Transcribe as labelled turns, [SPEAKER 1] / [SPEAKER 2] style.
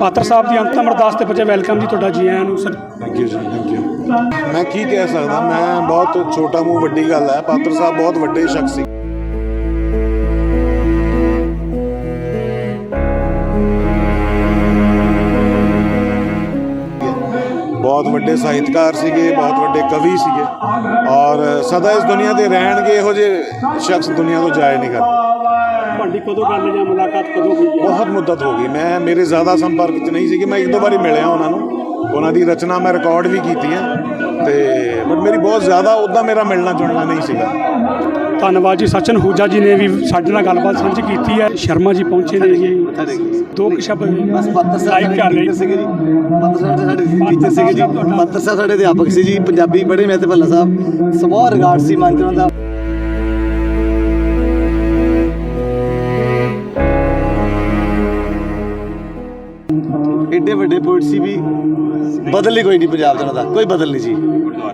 [SPEAKER 1] ਪਾਤਰ ਸਾਹਿਬ ਦੀ ਅੰਤਮ ਅਰਦਾਸ ਤੇ ਪੁੱਜੇ ਵੈਲਕਮ ਜੀ ਤੁਹਾਡਾ ਜੀ ਆਇਆਂ ਨੂੰ ਸਰ।
[SPEAKER 2] ਥੈਂਕ ਯੂ ਜੀ, ਥੈਂਕ ਯੂ। ਮੈਂ ਕੀ ਕਹਿ ਸਕਦਾ, ਮੈਂ ਬਹੁਤ ਛੋਟਾ ਮੂੰਹ ਵੱਡੀ ਗੱਲ ਹੈ। ਪਾਤਰ ਸਾਹਿਬ ਬਹੁਤ ਵੱਡੇ ਸ਼ਖਸ ਸੀ। ਬਹੁਤ ਵੱਡੇ ਸਾਹਿਤਕਾਰ ਸੀਗੇ, ਬਹੁਤ ਵੱਡੇ ਕਵੀ ਸੀਗੇ ਔਰ ਸਦਾ ਇਸ ਦੁਨੀਆ 'ਤੇ ਰਹਿਣਗੇ। ਇਹੋ ਜਿਹੇ ਸ਼ਖਸ ਦੁਨੀਆ ਤੋਂ ਜਾਏ ਨਹੀਂ ਕਰਦੇ।
[SPEAKER 1] ਤੁਹਾਡੀ ਕਦੋਂ ਗੱਲ ਜਾਂ ਮੁਲਾਕਾਤ ਕਦੋਂ ਹੋਈ ਹੈ?
[SPEAKER 2] ਬਹੁਤ ਮੁੱਦਤ ਹੋ ਗਈ। ਮੇਰੇ ਜ਼ਿਆਦਾ ਸੰਪਰਕ 'ਚ ਨਹੀਂ ਸੀਗੀ। ਮੈਂ ਇੱਕ ਦੋ ਵਾਰੀ ਮਿਲਿਆ ਉਹਨਾਂ ਨੂੰ, ਉਹਨਾਂ ਦੀ ਰਚਨਾ ਮੈਂ ਰਿਕਾਰਡ ਵੀ ਕੀਤੀ ਹੈ ਅਤੇ ਬਟ ਮੇਰੀ ਬਹੁਤ ਜ਼ਿਆਦਾ ਉੱਦਾਂ ਮੇਰਾ ਮਿਲਣਾ ਜੁਲਣਾ ਨਹੀਂ ਸੀਗਾ।
[SPEAKER 1] ਧੰਨਵਾਦ ਜੀ। ਸਚਨ ਹੂਜਾ ਜੀ ਨੇ ਵੀ ਸਾਡੇ ਨਾਲ ਗੱਲਬਾਤ ਸਾਂਝੀ ਕੀਤੀ ਹੈ। ਸ਼ਰਮਾ ਜੀ ਪਹੁੰਚੇ ਨੇ ਜੀ, ਦੋ ਕੁ ਸ਼ਬਦ ਲਾਈਵ ਕਰ ਰਹੇ
[SPEAKER 3] ਸੀਗੇ ਜੀ। ਪਾਤਰ ਸਾਹਿਬ ਸਾਡੇ ਟੀਚਰ ਸੀਗੇ ਜੀ। ਪਾਤਰ ਸਾਹਿਬ ਸਾਡੇ ਅਧਿਆਪਕ ਸੀ ਜੀ, ਪੰਜਾਬੀ ਪੜ੍ਹੇ ਮੈਂ ਤੇ ਭੱਲਾ ਸਾਹਿਬ। ਸਮੂਹ ਰਿਗਾਰਡ ਸੀ ਮਨ 'ਚ ਉਹਨਾਂ ਦਾ। ਏਡੇ ਵੱਡੇ ਪੋਇਟ ਸੀ ਵੀ, ਬਦਲ ਹੀ ਕੋਈ ਨਹੀਂ ਪੰਜਾਬ ਦਾ, ਉਹਨਾਂ ਦਾ ਕੋਈ ਬਦਲ ਨਹੀਂ ਜੀ।